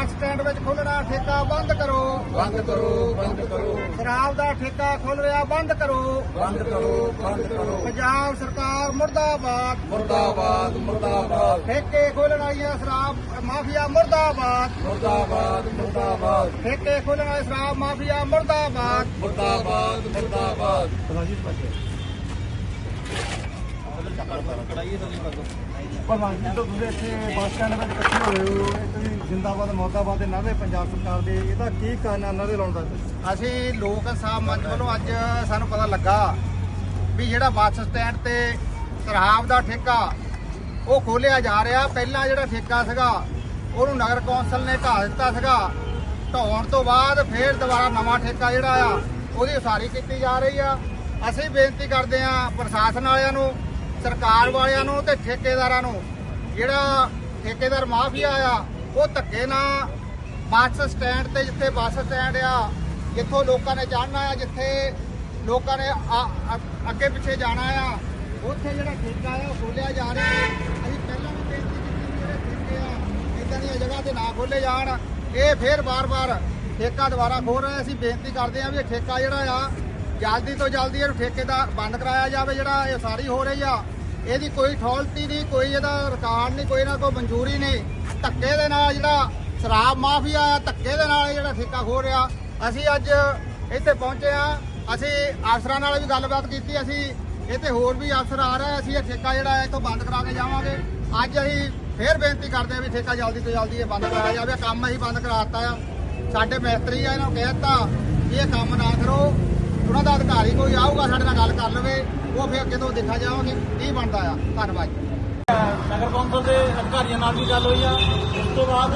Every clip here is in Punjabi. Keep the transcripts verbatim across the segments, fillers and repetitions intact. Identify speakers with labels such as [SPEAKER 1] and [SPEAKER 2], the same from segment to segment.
[SPEAKER 1] ਬੱਸ ਸਟੈਂਡ ਵਿੱਚ ਖੋਲ੍ਹਣਾ ਠੇਕਾ ਬੰਦ ਕਰੋ
[SPEAKER 2] ਬੰਦ ਕਰੋ ਬੰਦ ਕਰੋ
[SPEAKER 1] ਸ਼ਰਾਬ ਦਾ ਠੇਕਾ ਖੋਲ੍ਹ ਰਿਹਾ ਬੰਦ ਕਰੋ
[SPEAKER 2] ਬੰਦ ਕਰੋ ਬੰਦ ਕਰੋ
[SPEAKER 1] ਪੰਜਾਬ ਸਰਕਾਰ ਮੁਰਦਾਬਾਦ
[SPEAKER 2] ਮੁਰਦਾਬਾਦ ਮੁਰਦਾਬਾਦ
[SPEAKER 1] ਠੇਕੇ ਖੋਲ੍ਹਣ ਵਾਲੀਆਂ ਸ਼ਰਾਬ ਮਾਫੀਆ ਮੁਰਦਾਬਾਦ
[SPEAKER 2] ਮੁਰਦਾਬਾਦ ਮੁਰਦਾਬਾਦ
[SPEAKER 1] ਠੇਕੇ ਖੋਲ੍ਹਣ ਵਾਲੇ ਸ਼ਰਾਬ ਮਾਫੀਆ ਮੁਰਦਾਬਾਦ
[SPEAKER 2] ਮੁਰਦਾਬਾਦ ਮੁਰਦਾਬਾਦ
[SPEAKER 3] ਪ੍ਰਧਾਨ ਜੀ ਤੋਂ ਤੁਸੀਂ ਇੱਥੇ ਬੱਸ ਸਟੈਂਡ ਵਿੱਚ ਇਕੱਠੇ ਹੋਏ ਹੋ ਇੱਕ ਵੀ ਜ਼ਿੰਦਾਬਾਦ ਮੁਰਦਾਬਾਦ ਦੇ ਨਾਅਰੇ ਪੰਜਾਬ ਸਰਕਾਰ ਦੇ, ਇਹਦਾ ਕੀ ਕਾਰਨ ਹੈ ਨਾਅਰੇ ਲਾਉਣ ਦਾ?
[SPEAKER 1] ਅਸੀਂ ਲੋਕ ਇਨਸਾਫ ਮੰਚ ਵੱਲੋਂ ਅੱਜ ਸਾਨੂੰ ਪਤਾ ਲੱਗਾ ਵੀ ਜਿਹੜਾ ਬੱਸ ਸਟੈਂਡ ਤੇ ਸ਼ਰਾਬ ਦਾ ਠੇਕਾ ਉਹ ਖੋਲਿਆ ਜਾ ਰਿਹਾ। ਪਹਿਲਾਂ ਜਿਹੜਾ ਠੇਕਾ ਸੀਗਾ ਉਹਨੂੰ ਨਗਰ ਕੌਂਸਲ ਨੇ ਢਾਹ ਦਿੱਤਾ ਸੀਗਾ। ਢਾਉਣ ਤੋਂ ਬਾਅਦ ਫੇਰ ਦੁਬਾਰਾ ਨਵਾਂ ਠੇਕਾ ਜਿਹੜਾ ਆ ਉਹਦੀ ਉਸਾਰੀ ਕੀਤੀ ਜਾ ਰਹੀ ਆ। ਅਸੀਂ ਬੇਨਤੀ ਕਰਦੇ ਹਾਂ ਪ੍ਰਸ਼ਾਸਨ ਵਾਲਿਆਂ ਨੂੰ, ਸਰਕਾਰ ਵਾਲਿਆਂ ਨੂੰ ਤੇ ਠੇਕੇਦਾਰਾਂ ਨੂੰ, ਜਿਹੜਾ ਠੇਕੇਦਾਰ ਮਾਫੀਆ ਆ ਉਹ ਧੱਕੇ ਨਾਲ ਬੱਸ ਸਟੈਂਡ ਤੇ ਜਿੱਥੇ ਬੱਸ ਸਟੈਂਡ ਆ, ਜਿੱਥੋਂ ਲੋਕਾਂ ਨੇ ਜਾਣਾ ਆ, ਜਿੱਥੇ ਲੋਕਾਂ ਨੇ ਅੱਗੇ ਪਿੱਛੇ ਜਾਣਾ ਆ, ਉੱਥੇ ਜਿਹੜਾ ਠੇਕਾ ਆ ਉਹ ਖੋਲਿਆ ਜਾ ਰਿਹਾ। ਅਸੀਂ ਪਹਿਲਾਂ ਵੀ ਬੇਨਤੀ ਕੀਤੀ ਜਿਹੜੇ ਠੇਕੇ ਆ ਇੱਦਾਂ ਦੀਆਂ ਜਗ੍ਹਾ ਤੇ ਨਾ ਖੋਲੇ ਜਾਣ। ਇਹ ਫੇਰ ਬਾਰ-ਬਾਰ ਠੇਕਾ ਦੁਬਾਰਾ ਖੋਲ ਰਹੇ। ਅਸੀਂ ਬੇਨਤੀ ਕਰਦੇ ਹਾਂ ਵੀ ਇਹ ਠੇਕਾ ਜਿਹੜਾ ਆ ਜਲਦੀ ਤੋਂ ਜਲਦੀ ਇਹਨੂੰ ਠੇਕੇ ਦਾ ਬੰਦ ਕਰਾਇਆ ਜਾਵੇ। ਜਿਹੜਾ ਇਹ ਸਾਰੀ ਹੋ ਰਹੀ ਆ ਇਹਦੀ ਕੋਈ ਅਥਾਰਟੀ ਨਹੀਂ, ਕੋਈ ਇਹਦਾ ਰਿਕਾਰਡ ਨਹੀਂ, ਕੋਈ ਨਾ ਕੋਈ ਮਨਜ਼ੂਰੀ ਨਹੀਂ। ਧੱਕੇ ਦੇ ਨਾਲ ਜਿਹੜਾ ਸ਼ਰਾਬ ਮਾਫੀਆ ਆ, ਧੱਕੇ ਦੇ ਨਾਲ ਜਿਹੜਾ ਠੇਕਾ ਖੋਲ ਰਿਹਾ। ਅਸੀਂ ਅੱਜ ਇੱਥੇ ਪਹੁੰਚੇ ਆ। ਅਸੀਂ ਅਫਸਰਾਂ ਨਾਲ ਵੀ ਗੱਲਬਾਤ ਕੀਤੀ। ਅਸੀਂ ਇੱਥੇ ਹੋਰ ਵੀ ਅਫਸਰ ਆ ਰਹੇ। ਅਸੀਂ ਇਹ ਠੇਕਾ ਜਿਹੜਾ ਹੈ ਇੱਥੋਂ ਬੰਦ ਕਰਾ ਕੇ ਜਾਵਾਂਗੇ। ਅੱਜ ਅਸੀਂ ਫੇਰ ਬੇਨਤੀ ਕਰਦੇ ਹਾਂ ਵੀ ਠੇਕਾ ਜਲਦੀ ਤੋਂ ਜਲਦੀ ਇਹ ਬੰਦ ਕਰਾਇਆ ਜਾਵੇ। ਕੰਮ ਅਸੀਂ ਬੰਦ ਕਰਾ ਦਿੱਤਾ ਆ। ਸਾਡੇ ਮਿਸਤਰੀ ਆ, ਇਹਨਾਂ ਨੂੰ ਕਹਿ ਦਿੱਤਾ ਵੀ ਇਹ ਕੰਮ ਨਾ ਕਰੋ। ਉਹਨਾਂ ਦਾ ਅਧਿਕਾਰੀ ਕੋਈ ਆਊਗਾ ਸਾਡੇ ਨਾਲ ਗੱਲ ਕਰ ਲਵੇ, ਉਹ ਫਿਰ ਅੱਗੇ ਤੋਂ ਦੇਖਾ ਜਾਵਾਂਗੇ ਕੀ ਬਣਦਾ ਆ। ਧੰਨਵਾਦ ਜੀ।
[SPEAKER 3] ਨਗਰ ਕੌਂਸਲ ਦੇ ਅਧਿਕਾਰੀਆਂ ਨਾਲ ਵੀ ਗੱਲ ਹੋਈ ਆ। ਉਸ ਤੋਂ ਬਾਅਦ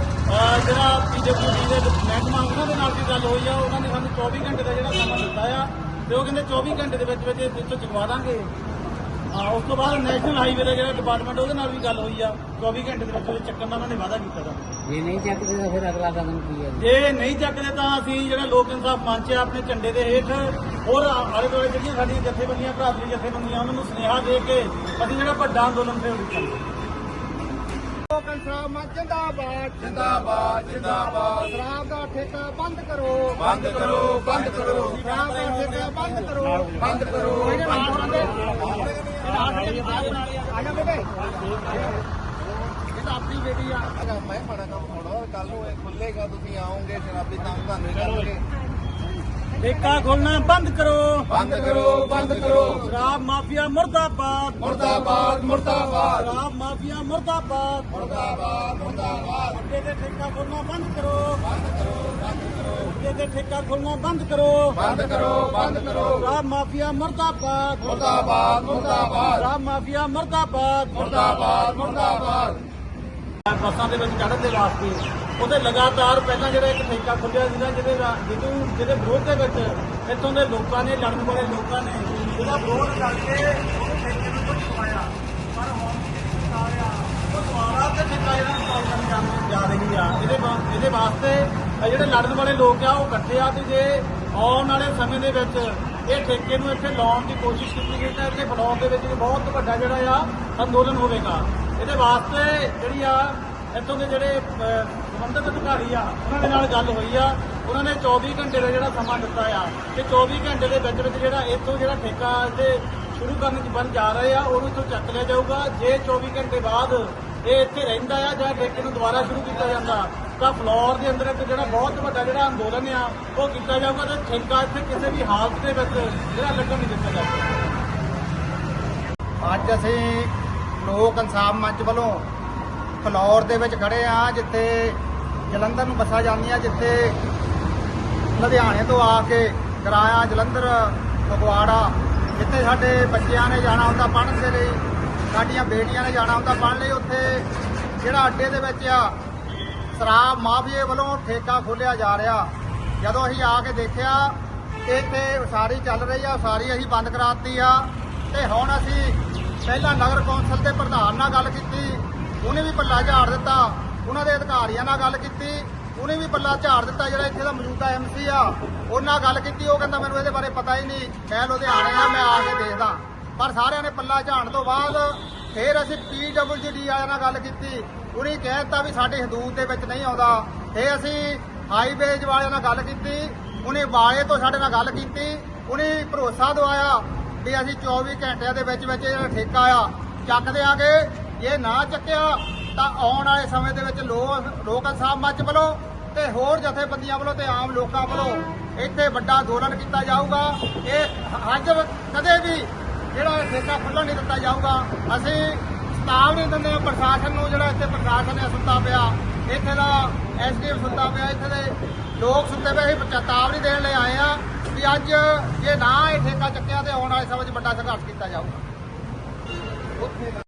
[SPEAKER 3] ਜਿਹੜਾ ਪੀਡਬਲਿਊਡੀ ਦੇ ਮਹਿਕਮਾ ਉਹਨਾਂ ਦੇ ਨਾਲ ਵੀ ਗੱਲ ਹੋਈ ਆ। ਉਹਨਾਂ ਨੇ ਸਾਨੂੰ ਚੌਵੀ ਘੰਟੇ ਦਾ ਜਿਹੜਾ ਸਮਾਂ ਦਿੱਤਾ ਆ ਤੇ ਉਹ ਕਹਿੰਦੇ ਚੌਵੀ ਘੰਟੇ ਦੇ ਵਿੱਚ ਵਿੱਚ ਇੱਥੋਂ ਚੁਕਵਾ ਦਾਂਗੇ। ਹਾਂ, ਉਸ ਤੋਂ ਬਾਅਦ ਨੈਸ਼ਨਲ ਹਾਈਵੇ ਦਾ ਜਿਹੜਾ ਡਿਪਾਰਟਮੈਂਟ ਉਹਦੇ ਨਾਲ ਵੀ ਗੱਲ ਹੋਈ ਆ। ਚੌਵੀ ਘੰਟੇ ਦੇ ਵਿੱਚ ਚੱਕਣ ਦਾ ਉਹਨਾਂ ਨੇ ਵਾਅਦਾ ਕੀਤਾ।
[SPEAKER 4] ਜੇ ਨਹੀਂ ਚੱਕਦੇ ਤਾਂ ਫਿਰ ਅਗਲਾ ਕਦਮ ਕੀ ਹੈ?
[SPEAKER 3] ਜੇ ਨਹੀਂ ਚੱਕਦੇ ਤਾਂ ਅਸੀਂ ਜਿਹੜਾ ਲੋਕ ਇਨਸਾਫ ਮੰਚ ਹੈ ਆਪਣੇ ਝੰਡੇ ਦੇ ਹੇਠ ਹੋਰ ਆਲੇ ਦੁਆਲੇ ਜਿਹੜੀਆਂ ਸਾਡੀਆਂ ਜਥੇਬੰਦੀਆਂ, ਭਰਾਤਰੀ ਜਥੇਬੰਦੀਆਂ, ਉਹਨਾਂ ਨੂੰ ਸੁਨੇਹਾ ਦੇ ਕੇ ਅਸੀਂ ਜਿਹੜਾ ਵੱਡਾ ਅੰਦੋਲਨ ਤੇ ਉਠਾਂਗੇ।
[SPEAKER 1] ਲੋਕ ਇਨਸਾਫ ਮੰਚ ਜਿੰਦਾਬਾਦ
[SPEAKER 2] ਜਿੰਦਾਬਾਦ ਜਿੰਦਾਬਾਦ
[SPEAKER 1] ਸ਼ਰਾਬ ਦਾ ਠੇਕਾ ਬੰਦ ਕਰੋ
[SPEAKER 2] ਬੰਦ ਕਰੋ ਬੰਦ ਕਰੋ
[SPEAKER 1] ਸ਼ਰਾਬ ਦਾ ਠੇਕਾ ਬੰਦ ਕਰੋ
[SPEAKER 2] ਬੰਦ ਕਰੋ
[SPEAKER 1] ਆ ਜਾ ਬੇਟੇ, ਇਹ ਤਾਂ ਆਪਣੀ ਬੇਟੀ ਆ।
[SPEAKER 2] ਮੈਂ ਬੜਾ ਕੰਮ ਹੋਣਾ ਕੱਲ ਨੂੰ ਇਹ ਖੁੱਲੇਗਾ, ਤੁਸੀਂ ਆਓਗੇ ਸ਼ਰਾਬੀ ਤਾਂ ਤੁਹਾਨੂੰ ਕਰਨਗੇ।
[SPEAKER 3] ਠੇਕਾ ਖੋਲਣਾ ਬੰਦ ਕਰੋ
[SPEAKER 2] ਬੰਦ ਕਰੋ ਬੰਦ ਕਰੋ
[SPEAKER 3] ਸ਼ਰਾਬ ਮਾਫੀਆ ਮੁਰਦਾਬਾਦ
[SPEAKER 2] ਮੁਰਦਾਬਾਦ ਮੁਰਦਾਬਾਦ
[SPEAKER 3] ਸ਼ਰਾਬ ਮਾਫੀਆ ਮੁਰਦਾਬਾਦ
[SPEAKER 2] ਮੁਰਦਾਬਾਦ ਮੁਰਦਾਬਾਦ
[SPEAKER 3] ਅੱਡੇ ਦੇ ਠੇਕਾ ਖੋਲਣਾ ਬੰਦ ਕਰੋ
[SPEAKER 2] ਬੰਦ ਕਰੋ ਬੰਦ ਕਰੋ
[SPEAKER 3] ਅੱਡੇ ਦੇ ਠੇਕਾ ਖੋਲਣਾ ਬੰਦ ਕਰੋ
[SPEAKER 2] ਬੰਦ ਕਰੋ ਬੰਦ ਕਰੋ
[SPEAKER 3] ਸ਼ਰਾਬ ਮਾਫੀਆ ਮੁਰਦਾਬਾਦ
[SPEAKER 2] ਮੁਰਦਾਬਾਦ ਮੁਰਦਾਬਾਦ
[SPEAKER 3] ਸ਼ਰਾਬ ਮਾਫੀਆ ਮੁਰਦਾਬਾਦ
[SPEAKER 2] ਮੁਰਦਾਬਾਦ ਮੁਰਦਾਬਾਦ
[SPEAKER 3] ਬੱਸਾਂ ਦੇ ਵਿੱਚ ਚੜ੍ਹਨ ਦੇ ਵਾਸਤੇ ਉਹਦੇ ਲਗਾਤਾਰ ਪਹਿਲਾਂ ਜਿਹੜਾ ਇੱਕ ਠੇਕਾ ਖੁੱਲਿਆ ਸੀਗਾ ਜਿਹਦੇ ਜਿਹਨੂੰ ਜਿਹਦੇ ਵਿਰੋਧ ਦੇ ਵਿੱਚ ਇੱਥੋਂ ਦੇ ਲੋਕਾਂ ਨੇ, ਲੜਨ ਵਾਲੇ ਲੋਕਾਂ ਨੇ ਉਹਦਾ ਵਿਰੋਧ ਕਰਕੇ ਉਹ ਠੇਕੇ ਨੂੰ ਕੁਝ ਪਾਇਆ। ਪਰ ਹੁਣ ਆ ਰਿਹਾ ਉਹ ਦੁਆਰਾ ਤੇ ਠੇਕਾ ਜਿਹੜਾ ਇੰਸਟਾਲ ਕਰਨ ਜਾ- ਜਾ ਰਹੀ ਆ। ਇਹਦੇ ਵਾ- ਇਹਦੇ ਵਾਸਤੇ ਇਹ ਜਿਹੜੇ ਲੜਨ ਵਾਲੇ ਲੋਕ ਆ ਉਹ ਇਕੱਠੇ ਆ ਤੇ ਜੇ ਆਉਣ ਵਾਲੇ ਸਮੇਂ ਦੇ ਵਿੱਚ ਇਹ ਠੇਕੇ ਨੂੰ ਇੱਥੇ ਲਾਉਣ ਦੀ ਕੋਸ਼ਿਸ਼ ਕੀਤੀ ਗਈ ਤਾਂ ਇੱਥੇ ਫਲੋਰ ਦੇ ਵਿੱਚ ਬਹੁਤ ਵੱਡਾ ਜਿਹੜਾ ਆ ਅੰਦੋਲਨ ਹੋਵੇਗਾ। ਇਹਦੇ ਵਾਸਤੇ ਜਿਹੜੀ ਆ ਇੱਥੋਂ ਦੇ ਜਿਹੜੇ ਸੰਬੰਧਿਤ ਅਧਿਕਾਰੀ ਆ ਉਹਨਾਂ ਦੇ ਨਾਲ ਗੱਲ ਹੋਈ ਆ। ਉਹਨਾਂ ਨੇ ਚੌਵੀ ਘੰਟੇ ਦਾ ਜਿਹੜਾ ਸਮਾਂ ਦਿੱਤਾ ਆ ਤੇ ਚੌਵੀ ਘੰਟੇ ਦੇ ਵਿੱਚ ਵਿੱਚ ਜਿਹੜਾ ਇੱਥੋਂ ਜਿਹੜਾ ਠੇਕਾ ਤੇ ਸ਼ੁਰੂ ਕਰਨ ਦੀ ਬਣ ਜਾ ਰਹੇ ਆ ਉਹਨੂੰ ਇੱਥੋਂ ਚੱਕ ਲਿਆ ਜਾਊਗਾ। ਜੇ ਚੌਵੀ ਘੰਟੇ ਬਾਅਦ ਇਹ ਇੱਥੇ ਰਹਿੰਦਾ ਆ ਜਾਂ ਠੇਕੇ ਨੂੰ ਦੁਬਾਰਾ ਸ਼ੁਰੂ ਕੀਤਾ ਜਾਂਦਾ ਤਾਂ ਫਲੋਰ ਦੇ ਅੰਦਰ ਇੱਕ ਜਿਹੜਾ ਬਹੁਤ ਵੱਡਾ ਜਿਹੜਾ ਅੰਦੋਲਨ ਆ ਉਹ ਕੀਤਾ ਜਾਊਗਾ ਤੇ ਠੇਕਾ ਇੱਥੇ ਕਿਸੇ ਵੀ ਹਾਲਤ ਦੇ ਵਿੱਚ ਜਿਹੜਾ ਲੱਗਣ ਨਹੀਂ ਦਿੱਤਾ ਜਾਊਗਾ।
[SPEAKER 1] ਅੱਜ ਅਸੀਂ ਲੋਕ ਇਨਸਾਫ ਮੰਚ ਵੱਲੋਂ ਫਲੋਰ ਦੇ ਵਿੱਚ ਖੜੇ ਆ, ਜਿੱਥੇ ਜਲੰਧਰ ਨੂੰ ਬੱਸਾਂ ਜਾਂਦੀਆਂ, ਜਿੱਥੇ ਲੁਧਿਆਣੇ ਤੋਂ ਆ ਕੇ ਕਿਰਾਇਆ ਜਲੰਧਰ ਫਗਵਾੜਾ, ਜਿੱਥੇ ਸਾਡੇ ਬੱਚਿਆਂ ਨੇ ਜਾਣਾ ਹੁੰਦਾ ਪੜ੍ਹਨ ਦੇ ਲਈ, ਸਾਡੀਆਂ ਬੇਟੀਆਂ ਨੇ ਜਾਣਾ ਹੁੰਦਾ ਪੜ੍ਹਨ ਲਈ, ਉੱਥੇ ਜਿਹੜਾ ਅੱਡੇ ਦੇ ਵਿੱਚ ਆ ਸ਼ਰਾਬ ਮਾਫੀਏ ਵੱਲੋਂ ਠੇਕਾ ਖੋਲ੍ਹਿਆ ਜਾ ਰਿਹਾ। ਜਦੋਂ ਅਸੀਂ ਆ ਕੇ ਦੇਖਿਆ ਇੱਥੇ ਉਸਾਰੀ ਚੱਲ ਰਹੀ ਆ, ਉਸਾਰੀ ਅਸੀਂ ਬੰਦ ਕਰਾਤੀ ਆ। ਤੇ ਹੁਣ ਅਸੀਂ ਪਹਿਲਾਂ ਨਗਰ ਕੌਂਸਲ ਦੇ ਪ੍ਰਧਾਨ ਨਾਲ ਗੱਲ ਕੀਤੀ, ਉਹਨੇ ਵੀ ਪੱਲਾ ਝਾੜ ਦਿੱਤਾ। ਉਹਨਾਂ ਦੇ ਅਧਿਕਾਰੀਆਂ ਨਾਲ ਗੱਲ ਕੀਤੀ, ਉਹਨੇ ਵੀ ਪੱਲਾ ਝਾੜ ਦਿੱਤਾ। ਜਿਹੜਾ ਇੱਥੇ ਦਾ ਮੌਜੂਦਾ ਐਮ ਸੀ ਆ ਉਹਨਾਂ ਨਾਲ ਗੱਲ ਕੀਤੀ, ਉਹ ਕਹਿੰਦਾ ਮੈਨੂੰ ਇਹਦੇ ਬਾਰੇ ਪਤਾ ਹੀ ਨਹੀਂ, ਮੈਂ ਲੁਧਿਆਣੇ ਆ, ਮੈਂ ਆ ਕੇ ਦੇਖਦਾ। ਪਰ ਸਾਰਿਆਂ ਨੇ ਪੱਲਾ ਝਾੜਨ ਤੋਂ ਬਾਅਦ ਫਿਰ ਅਸੀਂ ਪੀ ਡਬਲਯੂ ਡੀ ਵਾਲਿਆਂ ਨਾਲ ਗੱਲ ਕੀਤੀ, ਉਹਨੇ ਕਹਿ ਦਿੱਤਾ ਵੀ ਸਾਡੇ ਹਦੂਦ ਦੇ ਵਿੱਚ ਨਹੀਂ ਆਉਂਦਾ। ਫਿਰ ਅਸੀਂ ਹਾਈਵੇਜ ਵਾਲਿਆਂ ਨਾਲ ਗੱਲ ਕੀਤੀ, ਉਹਨੇ ਵਾਲੇ ਤੋਂ ਸਾਡੇ ਨਾਲ ਗੱਲ ਕੀਤੀ, ਉਹਨੇ ਭਰੋਸਾ ਦਵਾਇਆ ਵੀ ਅਸੀਂ ਚੌਵੀ ਘੰਟਿਆਂ ਦੇ ਵਿੱਚ ਵਿੱਚ ਜਿਹੜਾ ਠੇਕਾ ਆ ਚੱਕ ਦਿਆਂਗੇ। ਜੇ ਨਾ ਚੱਕਿਆ ਤਾਂ ਆਉਣ ਵਾਲੇ ਸਮੇਂ ਦੇ ਵਿੱਚ ਲੋਕ ਲੋਕ ਇਨਸਾਫ ਮੰਚ ਵੱਲੋਂ ਤੇ ਹੋਰ ਜਥੇਬੰਦੀਆਂ ਵੱਲੋਂ ਤੇ ਆਮ ਲੋਕਾਂ ਵੱਲੋਂ ਇੱਥੇ ਵੱਡਾ ਅੰਦੋਲਨ ਕੀਤਾ ਜਾਊਗਾ। ਇਹ ਅੱਜ ਕਦੇ ਵੀ ਜਿਹੜਾ ਇਹ ਠੇਕਾ ਖੁੱਲ੍ਹਣ ਨਹੀਂ ਦਿੱਤਾ ਜਾਊਗਾ। ਅਸੀਂ ਚੇਤਾਵਨੀ ਦਿੰਦੇ ਹਾਂ ਪ੍ਰਸ਼ਾਸਨ ਨੂੰ, ਜਿਹੜਾ ਇੱਥੇ ਪ੍ਰਸ਼ਾਸਨ ਹੈ ਸੁੱਤਾ ਪਿਆ, ਇੱਥੇ ਦਾ ਐਸ ਡੀ ਐਮ ਸੁੱਤਾ ਪਿਆ, ਇੱਥੇ ਦੇ ਲੋਕ ਸੁੱਤੇ ਪਏ। ਅਸੀਂ ਚੇਤਾਵਨੀ ਦੇਣ ਲਈ ਆਏ ਆ ਵੀ ਅੱਜ ਜੇ ਨਾ ਇਹ ਠੇਕਾ ਚੱਕਿਆ ਤੇ ਆਉਣ ਵਾਲੇ ਸਮੇਂ 'ਚ ਵੱਡਾ ਸੰਘਰਸ਼ ਕੀਤਾ ਜਾਊਗਾ।